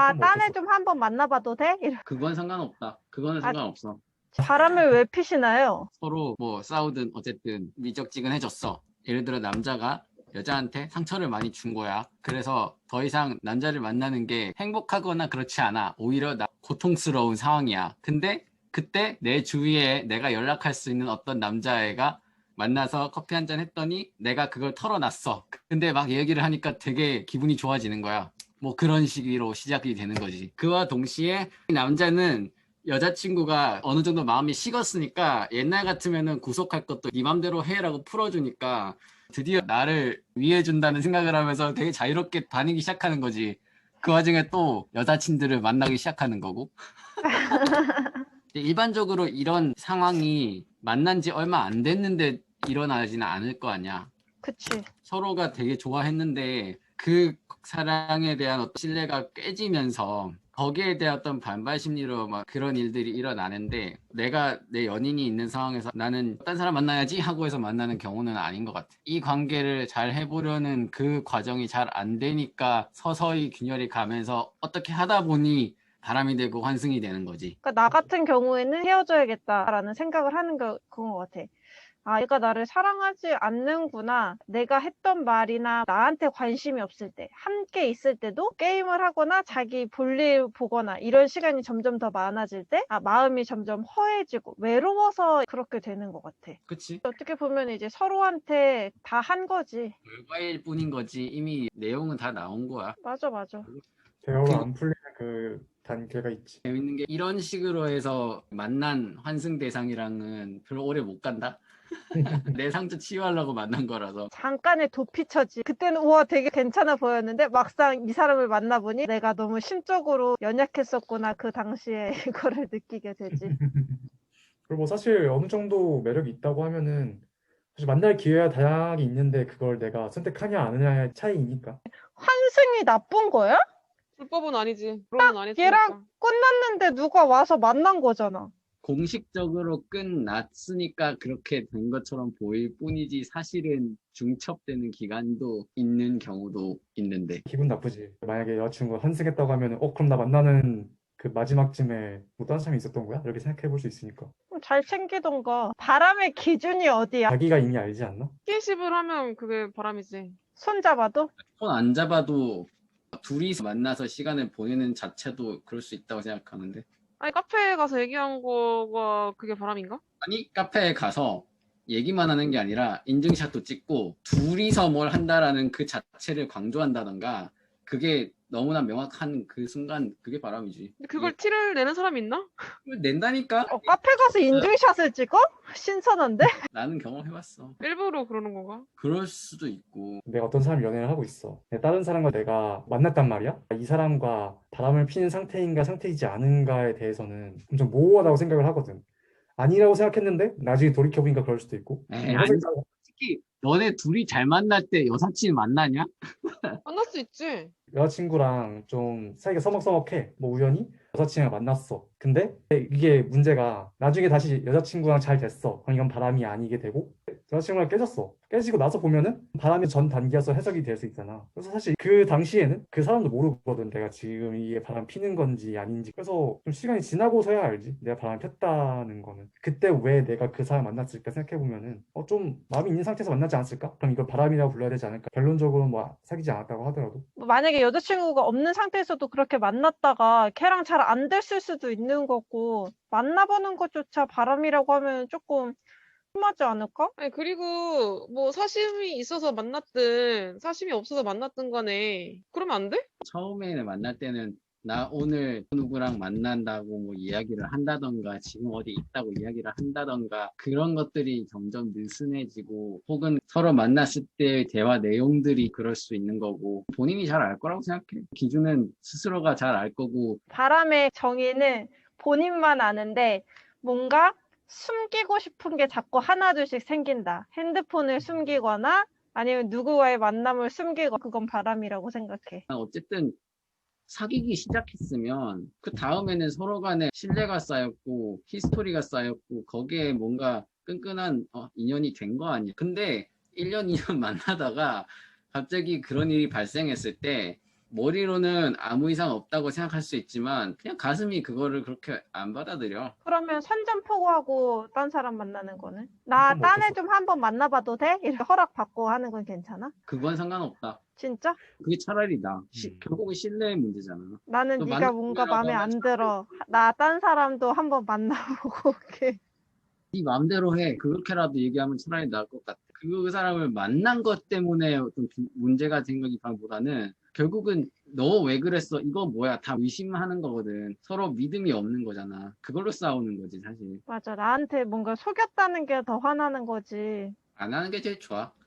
아, 뭐 딴 애 어쩔 수 좀 한번 만나봐도 돼? 그건 상관없다. 그거는 아, 상관없어. 바람을 왜 피시나요? 서로 뭐 싸우든 어쨌든 미적지근해졌어. 예를 들어 남자가 여자한테 상처를 많이 준 거야. 그래서 더 이상 남자를 만나는 게 행복하거나 그렇지 않아. 오히려 나 고통스러운 상황이야. 근데 그때 내 주위에 내가 연락할 수 있는 어떤 남자애가 만나서 커피 한잔 했더니 내가 그걸 털어놨어. 근데 막 얘기를 하니까 되게 기분이 좋아지는 거야. 뭐 그런 식으로 시작이 되는 거지. 그와 동시에 남자는 여자친구가 어느 정도 마음이 식었으니까 옛날 같으면은 구속할 것도 네 맘대로 해라고 풀어주니까 드디어 나를 위해준다는 생각을 하면서 되게 자유롭게 다니기 시작하는 거지. 그 와중에 또 여자친들을 만나기 시작하는 거고. 일반적으로 이런 상황이 만난 지 얼마 안 됐는데 일어나지는 않을 거 아니야. 그치. 서로가 되게 좋아했는데 그 사랑에 대한 어떤 신뢰가 깨지면서 거기에 대한 어떤 반발 심리로 막 그런 일들이 일어나는데 내가 내 연인이 있는 상황에서 나는 딴 사람 만나야지 하고 해서 만나는 경우는 아닌 것 같아. 이 관계를 잘 해보려는 그 과정이 잘 안 되니까 서서히 균열이 가면서 어떻게 하다 보니 바람이 되고 환승이 되는 거지. 그러니까 나 같은 경우에는 헤어져야겠다라는 생각을 하는 그건 것 같아. 아, 얘가 나를 사랑하지 않는구나. 내가 했던 말이나 나한테 관심이 없을 때, 함께 있을 때도 게임을 하거나 자기 볼일 보거나 이런 시간이 점점 더 많아질 때, 아, 마음이 점점 허해지고 외로워서 그렇게 되는 것 같아. 그치? 어떻게 보면 이제 서로한테 다 한 거지. 결과일 뿐인 거지. 이미 내용은 다 나온 거야. 맞아, 맞아. 대화가 그 안 풀리는 그 단계가 있지. 재밌는 게 이런 식으로 해서 만난 환승 대상이랑은 별로 오래 못 간다. 내 상처 치유하려고 만난 거라서. 잠깐의 도피처지. 그때는 우와 되게 괜찮아 보였는데 막상 이 사람을 만나보니 내가 너무 심적으로 연약했었구나. 그 당시에 이거를 느끼게 되지. 그리고 뭐 사실 어느 정도 매력이 있다고 하면은 사실 만날 기회가 다양하게 있는데 그걸 내가 선택하냐 안 하냐의 차이니까. 환승이 나쁜 거야? 불법은 아니지. 결혼은 안 얘랑 했으니까. 끝났는데 누가 와서 만난 거잖아. 공식적으로 끝났으니까 그렇게 된 것처럼 보일 뿐이지 사실은 중첩되는 기간도 있는 경우도 있는데. 기분 나쁘지. 만약에 여자친구가 환승했다고 하면은 그럼 나 만나는 그 마지막쯤에 뭐 다른 사람이 있었던 거야? 이렇게 생각해 볼 수 있으니까. 그럼 잘 챙기던가. 바람의 기준이 어디야? 자기가 이미 알지 않나? 스킨십을 하면 그게 바람이지. 손잡아도? 손 안 잡아도 둘이서 만나서 시간을 보내는 자체도 그럴 수 있다고 생각하는데. 아니 카페에 가서 얘기한 거가 그게 바람인가? 아니, 카페에 가서 얘기만 하는 게 아니라 인증샷도 찍고 둘이서 뭘 한다라는 그 자체를 강조한다던가 그게 너무나 명확한 그 순간 그게 바람이지. 근데 그걸 티를 내는 사람이 있나? 이걸 낸다니까? 카페 가서 인증샷을 찍어? 신선한데? 나는 경험해봤어. 일부러 그러는 건가? 그럴 수도 있고. 내가 어떤 사람 연애를 하고 있어. 다른 사람과 내가 만났단 말이야. 이 사람과 바람을 피는 상태인가 상태이지 않은가에 대해서는 엄청 모호하다고 생각을 하거든. 아니라고 생각했는데 나중에 돌이켜보니까 그럴 수도 있고. 에이, 사실 아니, 솔직히 너네 둘이 잘 만날 때 여사친 만나냐? 만날 수 있지. 여자친구랑 좀 사이가 서먹서먹해. 뭐 우연히 여자친구랑 만났어. 근데 이게 문제가 나중에 다시 여자친구랑 잘 됐어. 그럼 이건 바람이 아니게 되고 여자친구랑 깨졌어. 깨지고 나서 보면은 바람의 전 단계여서 해석이 될 수 있잖아. 그래서 사실 그 당시에는 그 사람도 모르거든. 내가 지금 이게 바람 피는 건지 아닌지. 그래서 좀 시간이 지나고서야 알지. 내가 바람 폈다는 거는. 그때 왜 내가 그 사람 만났을까 생각해 보면은 좀 마음이 있는 상태에서 만나지 않았을까? 그럼 이걸 바람이라고 불러야 되지 않을까? 결론적으로 뭐 사귀지 않았다고 하더라도. 뭐 만약에 여자친구가 없는 상태에서도 그렇게 만났다가 걔랑 잘 안 됐을 수도 있는 거고 만나보는 것조차 바람이라고 하면 조금 심하지 않을까? 아니 그리고 뭐 사심이 있어서 만났든 사심이 없어서 만났든 간에 그러면 안 돼? 처음에 만날 때는 나 오늘 누구랑 만난다고 뭐 이야기를 한다던가 지금 어디 있다고 이야기를 한다던가 그런 것들이 점점 느슨해지고 혹은 서로 만났을 때의 대화 내용들이 그럴 수 있는 거고 본인이 잘 알 거라고 생각해. 기준은 스스로가 잘 알 거고. 바람의 정의는 본인만 아는데 뭔가 숨기고 싶은 게 자꾸 하나둘씩 생긴다. 핸드폰을 숨기거나 아니면 누구와의 만남을 숨기거나 그건 바람이라고 생각해. 어쨌든 사귀기 시작했으면 그 다음에는 서로 간에 신뢰가 쌓였고 히스토리가 쌓였고 거기에 뭔가 끈끈한 인연이 된 거 아니야. 근데 1년, 2년 만나다가 갑자기 그런 일이 발생했을 때 머리로는 아무 이상 없다고 생각할 수 있지만 그냥 가슴이 그거를 그렇게 안 받아들여. 그러면 선전포고하고 딴 사람 만나는 거는? 나 그건 뭐 딴 어쩔 애 수 좀 한번 만나봐도 돼? 이렇게 허락받고 하는 건 괜찮아? 그건 상관없다. 진짜? 그게 차라리 나. 음. 결국은 신뢰의 문제잖아. 나는 너 네가 뭔가 만나려고 마음에 하면 안 들어. 나 딴 사람도 한번 만나보고 올게. 네 마음대로 해. 그렇게라도 얘기하면 차라리 나을 것 같아. 그 사람을 만난 것 때문에 어떤 문제가 생기기보다는 결국은 너 왜 그랬어? 이거 뭐야? 다 의심하는 거거든. 서로 믿음이 없는 거잖아. 그걸로 싸우는 거지, 사실. 맞아. 나한테 뭔가 속였다는 게 더 화나는 거지. 안 하는 게 제일 좋아.